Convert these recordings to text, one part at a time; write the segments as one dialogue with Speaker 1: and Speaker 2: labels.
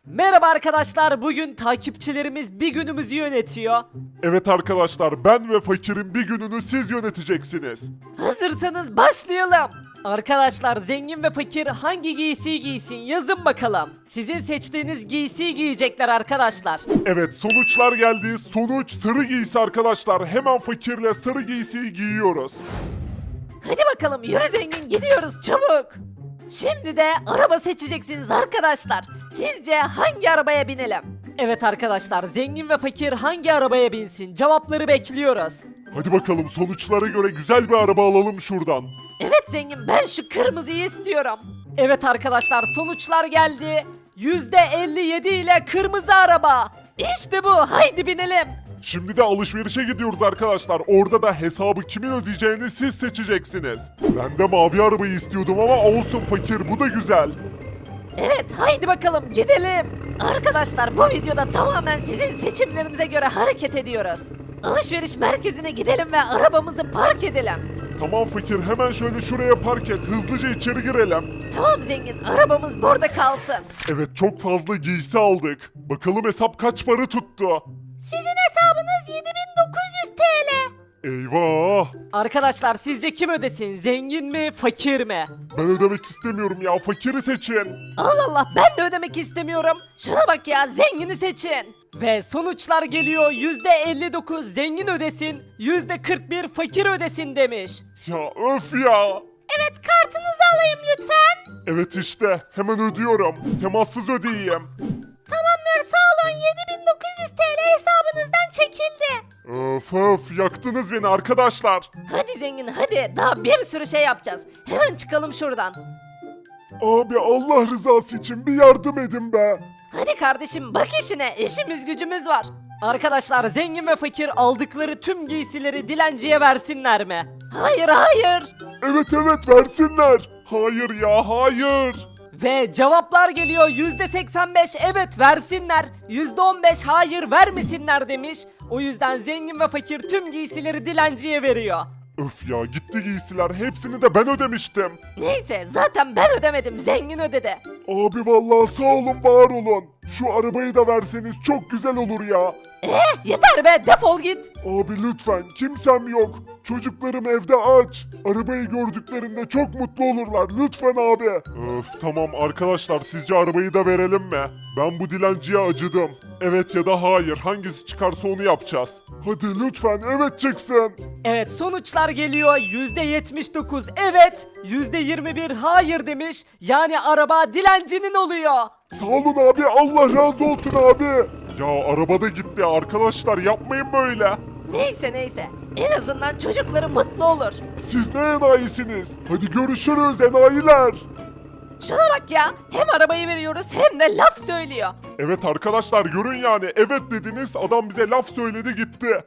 Speaker 1: Merhaba arkadaşlar, bugün takipçilerimiz bir günümüzü yönetiyor.
Speaker 2: Evet arkadaşlar, ben ve Fakir'in bir gününü siz yöneteceksiniz.
Speaker 1: Hazırsanız başlayalım. Arkadaşlar, zengin ve fakir hangi giysiyi giysin yazın bakalım. Sizin seçtiğiniz giysiyi giyecekler arkadaşlar.
Speaker 2: Evet, sonuçlar geldi. Sonuç sarı giysi arkadaşlar. Hemen Fakir'le sarı giysiyi giyiyoruz.
Speaker 1: Hadi bakalım, yürü zengin, gidiyoruz çabuk. Şimdi de araba seçeceksiniz arkadaşlar. Sizce hangi arabaya binelim? Evet arkadaşlar, zengin ve fakir hangi arabaya binsin? Cevapları bekliyoruz.
Speaker 2: Hadi bakalım, sonuçlara göre güzel bir araba alalım şuradan.
Speaker 1: Evet zengin, ben şu kırmızıyı istiyorum. Evet arkadaşlar, sonuçlar geldi. %57 ile kırmızı araba. İşte bu, haydi binelim.
Speaker 2: Şimdi de alışverişe gidiyoruz arkadaşlar. Orada da hesabı kimin ödeyeceğini siz seçeceksiniz. Ben de mavi arabayı istiyordum ama olsun Fakir, bu da güzel.
Speaker 1: Evet, haydi bakalım gidelim. Arkadaşlar, bu videoda tamamen sizin seçimlerinize göre hareket ediyoruz. Alışveriş merkezine gidelim ve arabamızı park edelim.
Speaker 2: Tamam Fakir, hemen şöyle şuraya park et. Hızlıca içeri girelim.
Speaker 1: Tamam zengin, arabamız burada kalsın.
Speaker 2: Evet, çok fazla giysi aldık. Bakalım hesap kaç para tuttu?
Speaker 1: Sizin hesabınız 7900 TL.
Speaker 2: Eyvah!
Speaker 1: Arkadaşlar, sizce kim ödesin? Zengin mi, fakir mi?
Speaker 2: Ben ödemek istemiyorum ya, Fakir'i seçin.
Speaker 1: Allah Allah, ben de ödemek istemiyorum. Şuna bak ya, zengini seçin. Ve sonuçlar geliyor. %59 zengin ödesin, %41 fakir ödesin demiş.
Speaker 2: Ya öf ya!
Speaker 1: Evet, kartınızı alayım lütfen.
Speaker 2: Evet işte, hemen ödüyorum. Temassız ödeyeyim.
Speaker 1: Tamamdır, sağ olun. 7900 TL hesabınızdan çekildi.
Speaker 2: Öf öf, yaktınız beni arkadaşlar.
Speaker 1: Hadi zengin, hadi. Daha bir sürü şey yapacağız. Hemen çıkalım şuradan.
Speaker 2: Abi, Allah rızası için bir yardım edin be.
Speaker 1: Hadi kardeşim, bak işine, işimiz gücümüz var. Arkadaşlar, zengin ve fakir aldıkları tüm giysileri dilenciye versinler mi? Hayır, hayır.
Speaker 2: Evet versinler. Hayır ya, hayır.
Speaker 1: Ve cevaplar geliyor. %85 evet versinler, %15 hayır vermesinler demiş. O yüzden zengin ve fakir tüm giysileri dilenciye veriyor.
Speaker 2: Öf ya, gitti giysiler, hepsini de ben ödemiştim.
Speaker 1: Neyse, zaten ben ödemedim, zengin ödedi.
Speaker 2: Abi vallahi sağ olun, var olun. Şu arabayı da verseniz çok güzel olur ya.
Speaker 1: Yeter be, defol git.
Speaker 2: Abi lütfen, kimsem yok. Çocuklarım evde aç. Arabayı gördüklerinde çok mutlu olurlar. Lütfen abi. Öf, tamam arkadaşlar, sizce arabayı da verelim mi? Ben bu dilenciye acıdım. Evet ya da hayır, hangisi çıkarsa onu yapacağız. Hadi lütfen evet çıksın.
Speaker 1: Evet, sonuçlar geliyor. %79 evet, %21 hayır demiş. Yani araba dilencinin oluyor.
Speaker 2: Sağ olun abi, Allah razı olsun abi. Ya araba da gitti arkadaşlar, yapmayın böyle.
Speaker 1: Neyse, en azından çocukları mutlu olur.
Speaker 2: Siz ne enayisiniz? Hadi görüşürüz enayiler.
Speaker 1: Şuna bak ya, hem arabayı veriyoruz hem de laf söylüyor.
Speaker 2: Evet arkadaşlar, görün yani, evet dediniz, adam bize laf söyledi gitti.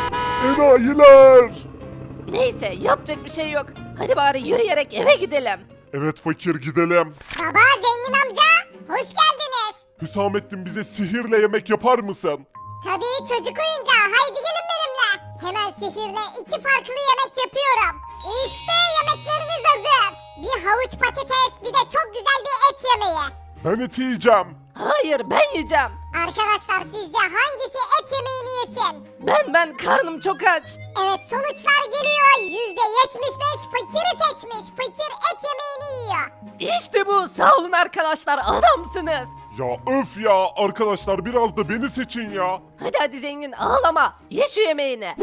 Speaker 2: Enayiler.
Speaker 1: Neyse, yapacak bir şey yok. Hadi bari yürüyerek eve gidelim.
Speaker 2: Evet Fakir, gidelim.
Speaker 3: Baba, zengin amca, hoş geldiniz.
Speaker 2: Hüsamettin, bize sihirle yemek yapar mısın?
Speaker 3: Tabii, çocuk oyuncağı, haydi gelin benimle. Hemen sihirle 2 farklı yemek yapıyorum. İşte yemekleriniz hazır. Bir havuç patates, bir de çok güzel bir et yemeği.
Speaker 2: Ben eti yiyeceğim.
Speaker 1: Hayır, ben yiyeceğim.
Speaker 3: Arkadaşlar, sizce hangisi et yemeğini yesin?
Speaker 1: Ben karnım çok aç.
Speaker 3: Evet, sonuçlar geliyor. %75 fakiri seçmiş. Fakir et yemeğini yiyor.
Speaker 1: İşte bu, sağ olun arkadaşlar, adamsınız.
Speaker 2: Ya öf ya, arkadaşlar biraz da beni seçin ya.
Speaker 1: Hadi zengin, ağlama, ye şu yemeğini.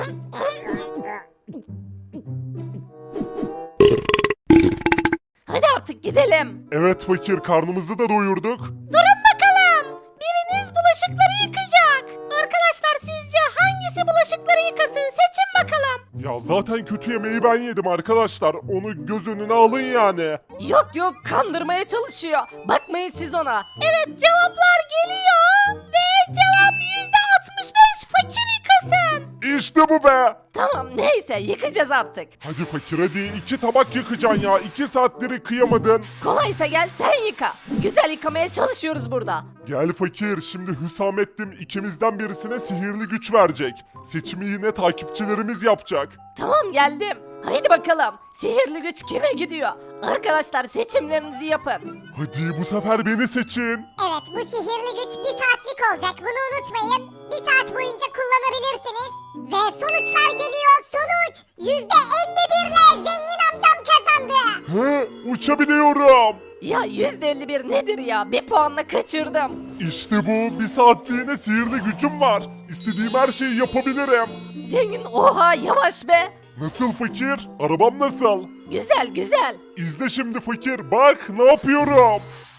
Speaker 1: Hadi artık gidelim.
Speaker 2: Evet Fakir, karnımızı da doyurduk.
Speaker 1: Durun bakalım. Biriniz bulaşıkları yıkacak. Arkadaşlar, sizce hangisi bulaşıkları yıkasın? Seçin bakalım.
Speaker 2: Ya zaten kötü yemeği ben yedim arkadaşlar. Onu göz önüne alın yani.
Speaker 1: Yok, kandırmaya çalışıyor. Bakmayın siz ona. Evet, cevaplar geliyor. Ve cevap %65 fakir yıkasın.
Speaker 2: İşte bu be.
Speaker 1: Tamam, neyse, yıkacağız artık.
Speaker 2: Hadi Fakir, hadi 2 tabak yıkacaksın ya. 2 saatleri kıyamadın.
Speaker 1: Kolaysa gel sen yıka. Güzel yıkamaya çalışıyoruz burada.
Speaker 2: Gel Fakir, şimdi Hüsamettin ikimizden birisine sihirli güç verecek. Seçimi yine takipçilerimiz yapacak.
Speaker 1: Tamam, geldim. Haydi bakalım. Sihirli güç kime gidiyor? Arkadaşlar seçimlerinizi yapın.
Speaker 2: Hadi bu sefer beni seçin.
Speaker 3: Evet bu sihirli güç bir saatlik olacak bunu unutmayın. Bir saat boyunca kullanabilirsiniz. Ve sonuçlar geliyor. Sonuç %51'le zengin amcam kazandı.
Speaker 2: He, uçabiliyorum.
Speaker 1: Ya %51 nedir ya? Bir puanla kaçırdım.
Speaker 2: İşte bu, bir saatliğine sihirli gücüm var. İstediğim her şeyi yapabilirim.
Speaker 1: Zengin oha yavaş be.
Speaker 2: Nasıl fakir? Arabam nasıl?
Speaker 1: Güzel güzel.
Speaker 2: İzle şimdi fakir, bak ne yapıyorum.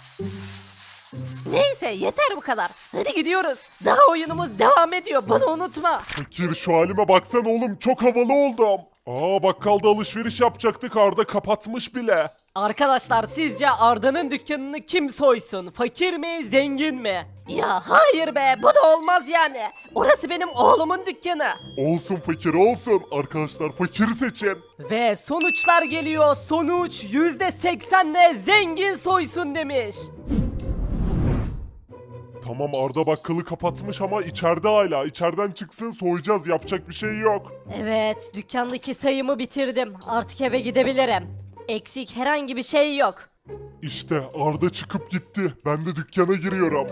Speaker 1: Neyse yeter bu kadar. Hadi gidiyoruz. Daha oyunumuz devam ediyor. Bunu unutma.
Speaker 2: Fakir şu halime baksana oğlum, çok havalı oldum. Aa, bakkalda alışveriş yapacaktık, Arda kapatmış bile.
Speaker 1: Arkadaşlar sizce Arda'nın dükkanını kim soysun? Fakir mi, zengin mi? Ya hayır be, bu da olmaz yani. Orası benim oğlumun dükkanı.
Speaker 2: Olsun fakir olsun. Arkadaşlar fakiri seçin.
Speaker 1: Ve sonuçlar geliyor. Sonuç %80'le zengin soysun demiş.
Speaker 2: Tamam, Arda bakkalı kapatmış ama içeride hala. İçeriden çıksın, soyacağız, yapacak bir şey yok.
Speaker 1: Evet, dükkandaki sayımı bitirdim. Artık eve gidebilirim. Eksik herhangi bir şey yok.
Speaker 2: İşte Arda çıkıp gitti. Ben de dükkana giriyorum.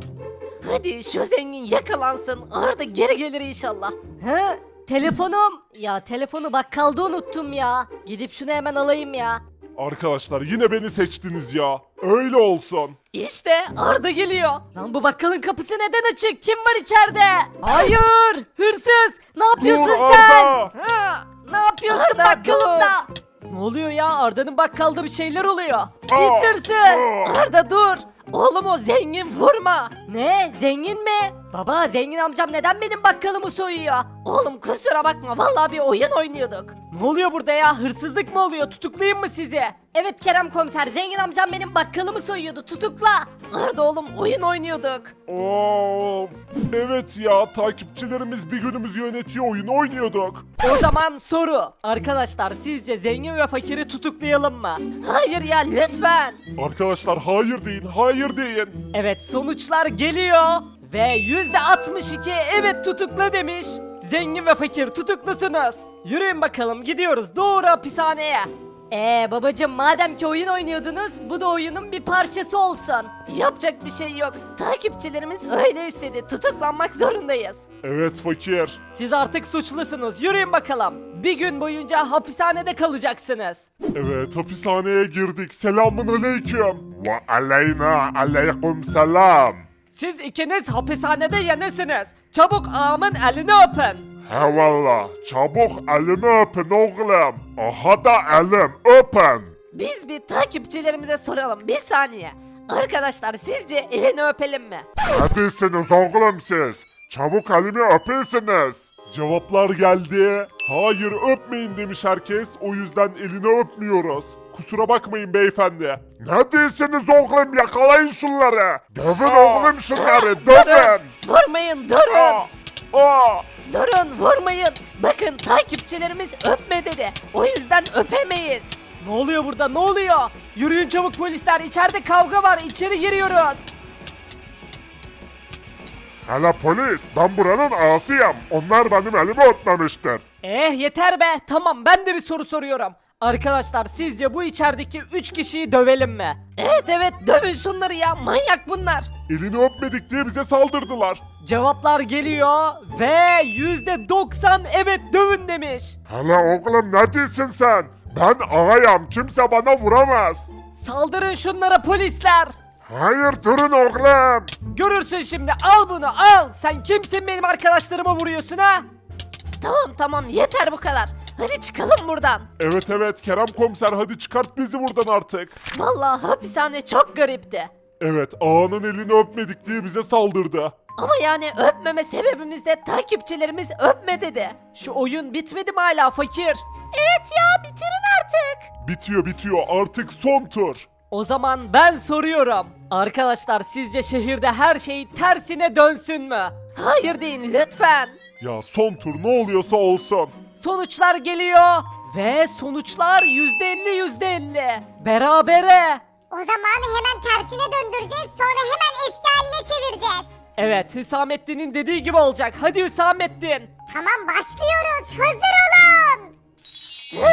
Speaker 1: Hadi şu zengin yakalansın. Arda geri gelir inşallah. He? Telefonum. Ya telefonu bakkalda unuttum ya. Gidip şunu hemen alayım ya.
Speaker 2: Arkadaşlar yine beni seçtiniz ya. Öyle olsun.
Speaker 1: İşte Arda geliyor. Lan bu bakkalın kapısı neden açık? Kim var içeride? Hayır! Hırsız! Ne yapıyorsun
Speaker 2: Dur
Speaker 1: sen?
Speaker 2: Arda!
Speaker 1: Ha, ne yapıyorsun bakkalımda? Ne oluyor ya? Arda'nın bakkalda bir şeyler oluyor. Pis hırsız! Arda dur! Oğlum o zengin vurma. Ne? Zengin mi? Baba zengin amcam neden benim bakkalımı soyuyor? Oğlum kusura bakma vallahi bir oyun oynuyorduk. Ne oluyor burada ya? Hırsızlık mı oluyor? Tutuklayayım mı sizi? Evet Kerem komiser zengin amcam benim bakkalımı soyuyordu. Tutukla. Arda oğlum oyun oynuyorduk.
Speaker 2: Of. Evet ya, takipçilerimiz bir günümüzü yönetiyor, oyun oynuyorduk.
Speaker 1: O zaman soru. Arkadaşlar sizce zengin ve fakiri tutuklayalım mı? Hayır ya lütfen.
Speaker 2: Arkadaşlar hayır deyin, hayır deyin.
Speaker 1: Evet sonuçlar geliyor. Ve %62 evet tutukla demiş. Zengin ve fakir tutuklusunuz. Yürüyün bakalım gidiyoruz doğru hapishaneye. Babacım madem ki oyun oynuyordunuz bu da oyunun bir parçası olsun. Yapacak bir şey yok. Takipçilerimiz öyle istedi. Tutuklanmak zorundayız.
Speaker 2: Evet fakir.
Speaker 1: Siz artık suçlusunuz. Yürüyün bakalım. Bir gün boyunca hapishanede kalacaksınız.
Speaker 2: Evet, hapishaneye girdik. Selamun aleyküm. Ve aleyna aleyküm selam.
Speaker 1: Siz ikiniz hapishanede yenisiniz. Çabuk ağamın elini öpün.
Speaker 2: He valla, çabuk elimi öpün oğlum. Aha da elim, öpün.
Speaker 1: Biz bir takipçilerimize soralım. Bir saniye. Arkadaşlar sizce elini öpelim mi?
Speaker 2: Neredesiniz oğlum siz? Çabuk elimi öpesiniz. Cevaplar geldi. Hayır öpmeyin demiş herkes. O yüzden elini öpmüyoruz. Kusura bakmayın beyefendi. Ne diyorsunuz oğlum, yakalayın şunları. Dövün oğlum şunları, dövün.
Speaker 1: Vurmayın durun.
Speaker 2: Aa.
Speaker 1: Durun vurmayın. Bakın takipçilerimiz öpme dedi. O yüzden öpemeyiz. Ne oluyor burada ne oluyor? Yürüyün çabuk polisler içeride kavga var içeri giriyoruz.
Speaker 2: Hele polis, ben buranın ağasıyım. Onlar benim elimi öpmemiştir.
Speaker 1: Yeter be tamam ben de bir soru soruyorum. Arkadaşlar sizce bu içerideki 3 kişiyi dövelim mi? Evet dövün şunları ya manyak bunlar.
Speaker 2: Elini öpmedik diye bize saldırdılar.
Speaker 1: Cevaplar geliyor ve %90 evet dövün demiş.
Speaker 2: Hele oğlum ne diyorsun sen? Ben ağayım, kimse bana vuramaz.
Speaker 1: Saldırın şunlara polisler.
Speaker 2: Hayır durun oğlum.
Speaker 1: Görürsün şimdi al bunu al. Sen kimsin benim arkadaşlarıma vuruyorsun ha? Tamam yeter bu kadar. Hadi çıkalım buradan.
Speaker 2: Evet Kerem komiser, hadi çıkart bizi buradan artık.
Speaker 1: Vallahi hapishane çok garipti.
Speaker 2: Evet, ağanın elini öpmedik diye bize saldırdı.
Speaker 1: Ama yani öpmeme sebebimiz de takipçilerimiz öpme dedi. Şu oyun bitmedi mi hala fakir? Evet ya bitirin artık.
Speaker 2: Bitiyor artık son tur.
Speaker 1: O zaman ben soruyorum. Arkadaşlar sizce şehirde her şey tersine dönsün mü? Hayır deyin lütfen.
Speaker 2: Ya son tur ne oluyorsa olsun.
Speaker 1: Sonuçlar geliyor. Ve sonuçlar %50. Berabere.
Speaker 3: O zaman hemen tersine döndüreceğiz sonra hemen eski haline çevireceğiz.
Speaker 1: Evet Hüsamettin'in dediği gibi olacak. Hadi Hüsamettin.
Speaker 3: Tamam başlıyoruz hazır olun.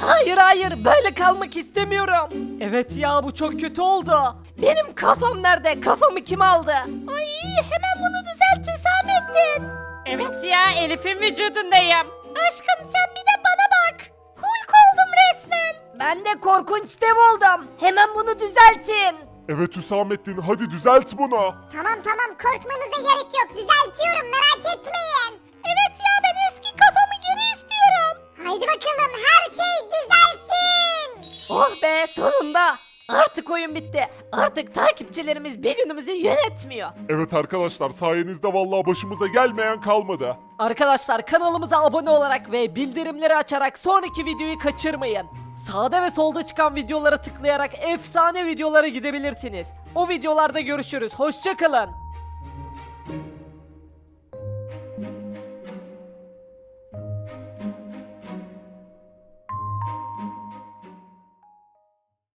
Speaker 1: Hayır hayır böyle kalmak istemiyorum. Evet ya bu çok kötü oldu. Benim kafam nerede? Kafamı kim aldı? Ay hemen bunu düzelt Hüsamettin. Evet ya Elif'in vücudundayım. Aşkım sen bir de bana bak. Hulk oldum resmen. Ben de korkunç dev oldum. Hemen bunu düzeltin.
Speaker 2: Evet Hüsamettin hadi düzelt bunu.
Speaker 3: Tamam korkmanıza gerek yok düzeltiyorum merak etmeyin. Evet ya ben eski kafamı geri istiyorum. Haydi bakalım her şey düzelsin.
Speaker 1: Oh be sonunda. Artık oyun bitti. Artık takipçilerimiz bir günümüzü yönetmiyor.
Speaker 2: Evet arkadaşlar sayenizde vallahi başımıza gelmeyen kalmadı.
Speaker 1: Arkadaşlar kanalımıza abone olarak ve bildirimleri açarak sonraki videoyu kaçırmayın. Sağda ve solda çıkan videolara tıklayarak efsane videolara gidebilirsiniz. O videolarda görüşürüz. Hoşça kalın.